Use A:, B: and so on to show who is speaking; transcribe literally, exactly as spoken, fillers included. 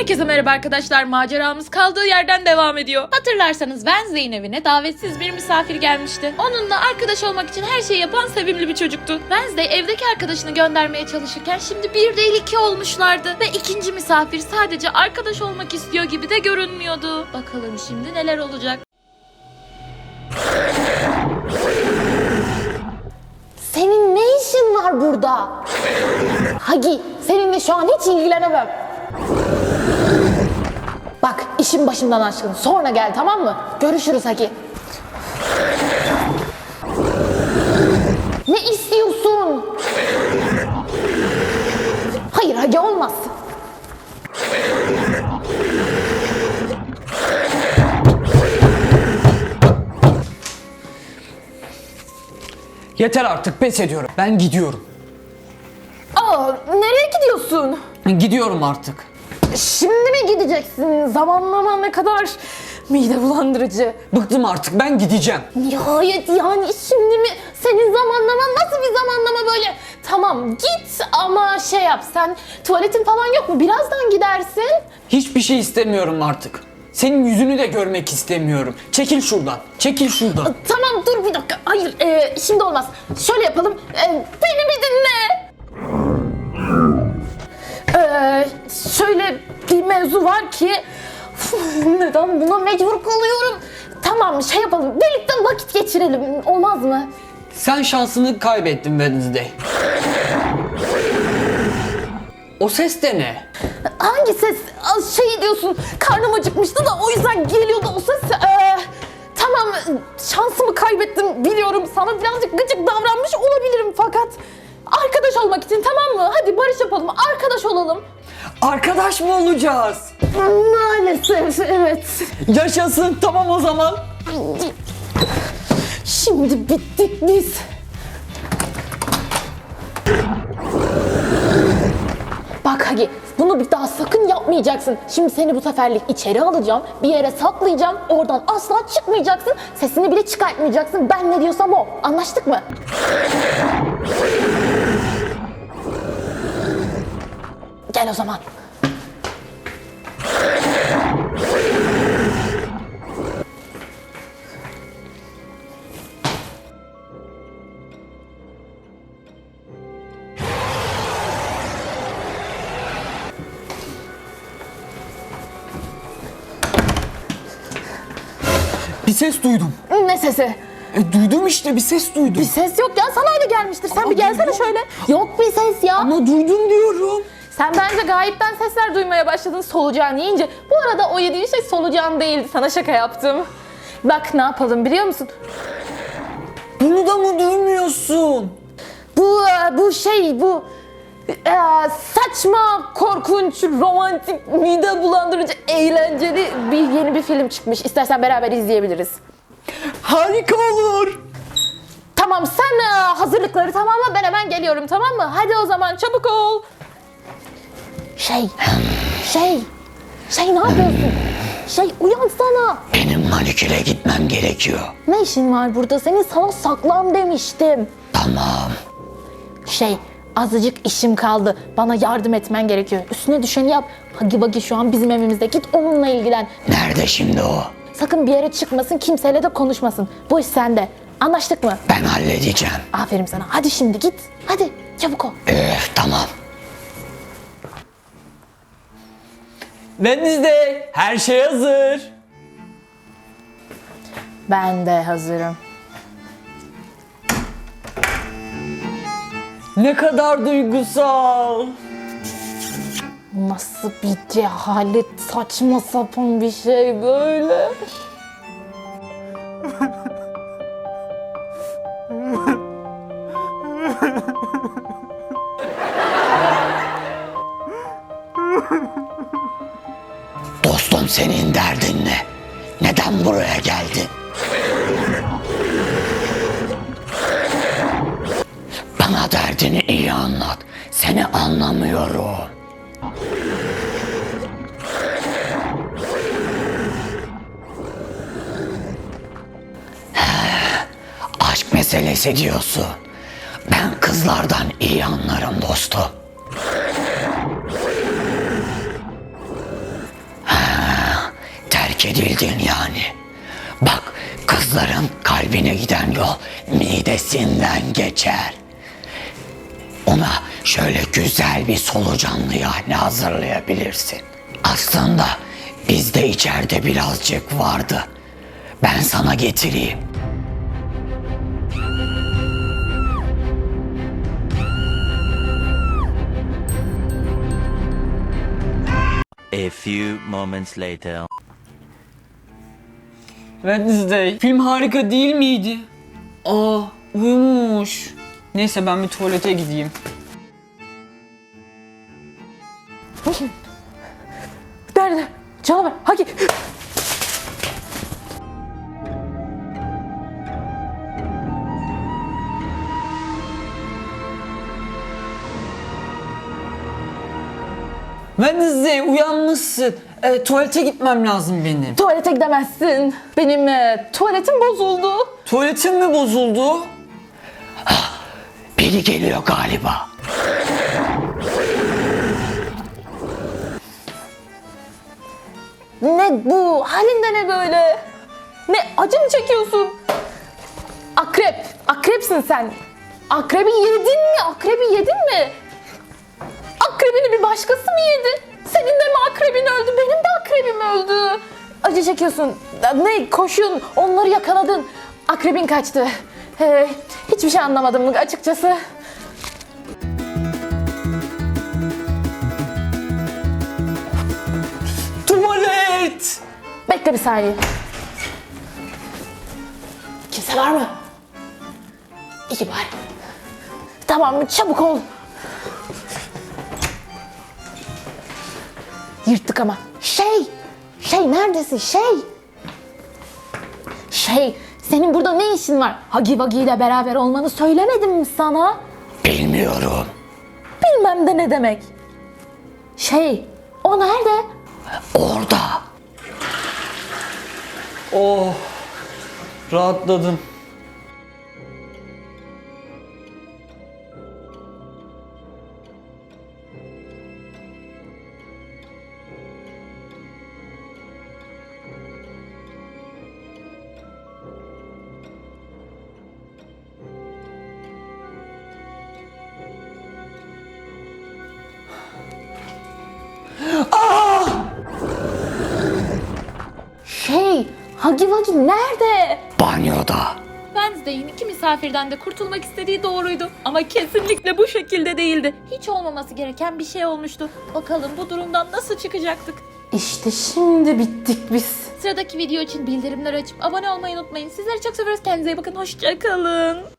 A: Herkese merhaba arkadaşlar. Maceramız kaldığı yerden devam ediyor. Hatırlarsanız Wednesday'in evine davetsiz bir misafir gelmişti. Onunla arkadaş olmak için her şeyi yapan sevimli bir çocuktu. Wednesday evdeki arkadaşını göndermeye çalışırken şimdi bir değil iki olmuşlardı. Ve ikinci misafir sadece arkadaş olmak istiyor gibi de görünmüyordu. Bakalım şimdi neler olacak.
B: Senin ne işin var burada? Hagi, seninle şu an hiç ilgilenemem. Bak, işin başımdan aşkın. Sonra gel, tamam mı? Görüşürüz Hagi. Ne istiyorsun? Hayır Hagi, olmaz.
C: Yeter artık, pes ediyorum. Ben gidiyorum.
B: Aa, nereye gidiyorsun?
C: Gidiyorum artık.
B: Şimdi mi gideceksin? Zamanlama ne kadar mide bulandırıcı.
C: Bıktım artık, ben gideceğim.
B: Nihayet yani şimdi mi? Senin zamanlaman nasıl bir zamanlama böyle? Tamam git ama şey yap, sen tuvaletin falan yok mu? Birazdan gidersin.
C: Hiçbir şey istemiyorum artık. Senin yüzünü de görmek istemiyorum. Çekil şuradan, çekil şuradan.
B: Tamam dur bir dakika. Hayır e, şimdi olmaz. Şöyle yapalım. E, beni bir dinle. Ee, şöyle bir mevzu var ki uf, neden buna mecbur kalıyorum? Tamam şey yapalım. Birlikte vakit geçirelim. Olmaz mı?
C: Sen şansını kaybettin Wednesday. O ses de ne?
B: Hangi ses? Şey diyorsun, karnım acıkmıştı da o yüzden geliyordu o ses. Ee, tamam, şansımı kaybettim biliyorum. Sana birazcık gıcık davranmış olabilirim fakat arkadaş olmak için, tamam mı? Hadi barış yapalım, arkadaş olalım.
C: Arkadaş mı olacağız?
B: Maalesef evet.
C: Yaşasın, tamam o zaman.
B: Şimdi bittik biz. Bak Hagi, bunu bir daha sakın yapmayacaksın. Şimdi seni bu seferlik içeri alacağım, bir yere saklayacağım, oradan asla çıkmayacaksın, sesini bile çıkartmayacaksın. Ben ne diyorsam o. Anlaştık mı? Gel o zaman.
C: Bir ses duydum.
B: Ne sesi?
C: E, duydum işte, bir ses duydum.
B: Bir ses yok ya, sana öyle gelmiştir. Sen
C: Ama
B: bir gelsene
C: duydum.
B: şöyle. Yok bir ses ya.
C: Ama duydum diyorum.
B: Sen bence gayipten sesler duymaya başladın solucan yiyince. Bu arada o yediğin şey solucan değildi. Sana şaka yaptım. Bak ne yapalım biliyor musun?
C: Bunu da mı duymuyorsun?
B: Bu bu şey bu e, saçma, korkunç, romantik, mide bulandırıcı, eğlenceli bir yeni bir film çıkmış. İstersen beraber izleyebiliriz.
C: Harika olur.
B: Tamam sen e, hazırlıkları tamamla, ben hemen geliyorum, tamam mı? Hadi o zaman çabuk ol. Şey, şey, şey ne yapıyorsun? Şey uyansana.
D: Benim maniküre gitmem gerekiyor.
B: Ne işin var burada? Senin sana saklan demiştim.
D: Tamam.
B: Şey, azıcık işim kaldı. Bana yardım etmen gerekiyor. Üstüne düşeni yap. Hagi Bagi şu an bizim evimizde. Git onunla ilgilen.
D: Nerede şimdi o?
B: Sakın bir yere çıkmasın, kimseyle de konuşmasın. Bu iş sende. Anlaştık mı?
D: Ben halledeceğim.
B: Aferin sana. Hadi şimdi git. Hadi çabuk ol.
D: Öf, tamam.
C: Wednesday, her şey hazır.
B: Ben de hazırım.
C: Ne kadar duygusal.
B: Nasıl bir cehalet, saçma sapan bir şey böyle.
D: Dostum, senin derdin ne? Neden buraya geldin? Bana derdini iyi anlat. Seni anlamıyorum. He, aşk meselesi diyorsun. Ben kızlardan iyi anlarım dostum. terk edildin yani. Bak, kızların kalbine giden yol midesinden geçer. Ona şöyle güzel bir solucanlı yahni hazırlayabilirsin. Aslında bizde içeride birazcık vardı. Ben sana getireyim.
E: A few moments later.
C: Wednesday, film harika değil miydi? Aa, uyumuş. Neyse ben bir tuvalete gideyim.
B: Nerede? Canavar. Hagi.
C: Wednesday uyanmışsın. E, tuvalete gitmem lazım benim.
B: Tuvalete gidemezsin. Benim e, tuvaletim bozuldu.
C: Tuvaletim mi bozuldu?
D: Biri geliyor galiba.
B: Ne bu? Halinde ne böyle? Ne acı mı çekiyorsun? Akrep. Akrepsin sen. Akrebi yedin mi? Akrebi yedin mi? Akrebini bir başkası mı yedi? Senin de mi akrebin öldü? Benim de akrebim öldü. Acı çekiyorsun. Ne koşun? Onları yakaladın. Akrebin kaçtı. Ee, hiçbir şey anlamadım açıkçası.
C: Tuvalet!
B: Bekle bir saniye. Kimse var mı? İyi bari. Tamam, çabuk ol. Yırttık ama. Şey! Şey neredesin? Şey! Şey, senin burada ne işin var? Hagi Wagi ile beraber olmanı söylemedim mi sana?
D: Bilmiyorum.
B: Bilmem de ne demek. Şey, o nerede?
D: Orada.
C: Oh, rahatladım.
B: Şey, Hagi Wagi nerede?
D: Banyoda.
A: Wednesday'in iki misafirden de kurtulmak istediği doğruydu. Ama kesinlikle bu şekilde değildi. Hiç olmaması gereken bir şey olmuştu. Bakalım bu durumdan nasıl çıkacaktık?
B: İşte şimdi bittik biz.
A: Sıradaki video için bildirimleri açıp abone olmayı unutmayın. Sizleri çok seviyoruz. Kendinize iyi bakın. Hoşça kalın.